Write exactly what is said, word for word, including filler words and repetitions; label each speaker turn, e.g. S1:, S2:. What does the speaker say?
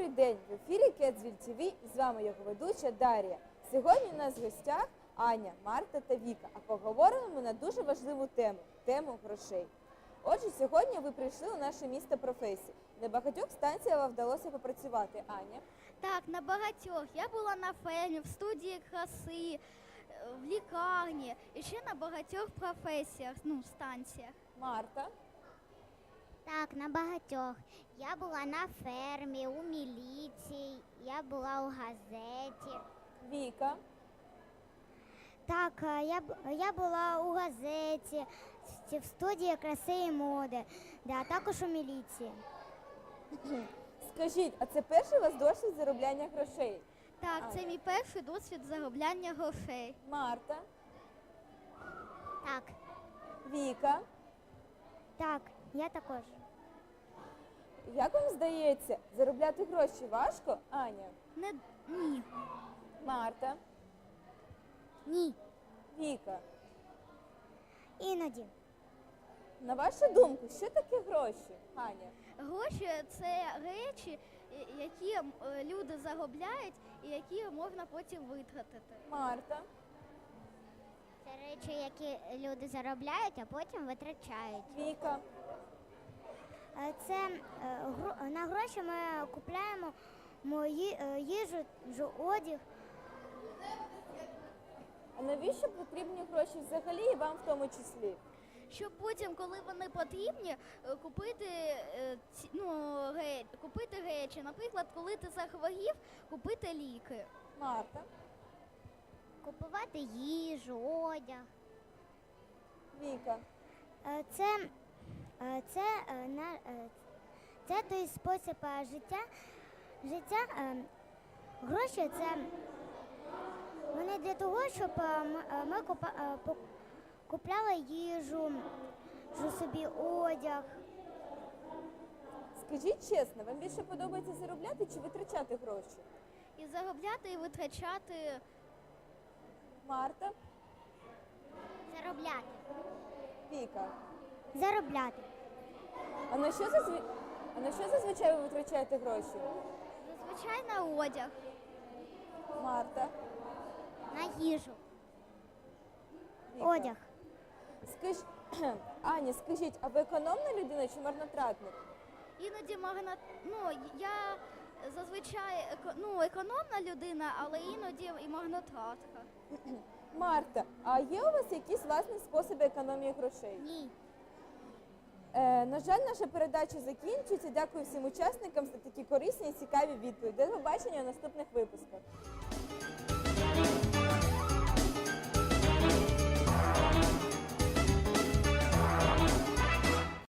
S1: Добрий день! В ефірі Кедзвіль ті ві і з вами його ведуча Дар'я. Сьогодні у нас в гостях Аня, Марта та Віка, а поговоримо ми на дуже важливу тему – тему грошей. Отже, сьогодні ви прийшли у наше місто професій. На багатьох станціях вам вдалося попрацювати. Аня?
S2: Так, на багатьох. Я була на фермі, в студії краси, в лікарні і ще на багатьох професіях, ну, станціях.
S1: Марта?
S3: Так, на багатьох. Я була на фермі, у міліції, я була у газеті.
S1: Віка?
S3: Так, е, я, б- я була у газеті, в- в студії краси і моди, да, а також у міліції.
S1: Скажіть, а це перший у вас досвід заробляння грошей?
S2: Так, це
S1: Аня.
S2: мій перший досвід заробляння грошей.
S1: Марта?
S3: Так,
S1: Віка?
S3: так, я також.
S1: Як вам здається, заробляти гроші важко? Аня?
S2: Не ні.
S1: Марта?
S3: Ні,
S1: Віка?
S3: іноді.
S1: На вашу думку, що таке гроші? Аня?
S2: Гроші це речі, е, які м, е, люди заробляють і які можна потім витратити.
S1: Марта?
S3: Це речі, які люди заробляють, а потім витрачають.
S1: Віка?
S3: Е, Це е, гро- на гроші ми купляємо мої, е, їжу, жу- одяг.
S1: А навіщо потрібні гроші взагалі і вам в тому числі?
S2: Щоб потім, коли вони потрібні, е, купити, е, ці- ну, ре- купити речі. Наприклад, коли ти захворів, купити ліки.
S1: Марта?
S3: Купувати їжу, одяг.
S1: Віка?
S3: Е, Це, е, це, е, на, е, це той спосіб е, життя. Життя е, гроші це вони для того, щоб е, м- е, ми купа, е, пок- купляли їжу, жу собі одяг.
S1: Скажіть чесно, вам більше подобається заробляти чи витрачати гроші?
S2: І заробляти, і витрачати.
S1: Марта?
S3: Заробляти.
S1: Віка?
S3: Заробляти.
S1: А на що, зазві... а на що зазвичай ви витрачаєте гроші?
S2: Зазвичай на одяг.
S1: Марта?
S3: На їжу.
S1: Віка?
S3: Одяг.
S1: Скаж... Аня, скажіть, а ви економна людина чи марнотратник?
S2: Іноді магна... ну, я зазвичай еко... ну, економна людина, але іноді і магнотратка.
S1: Марта, а є у вас якісь власні способи економії грошей?
S3: Ні.
S1: Е, на жаль, наша передача закінчується. Дякую всім учасникам за такі корисні і цікаві відповіді. До побачення у наступних випусках.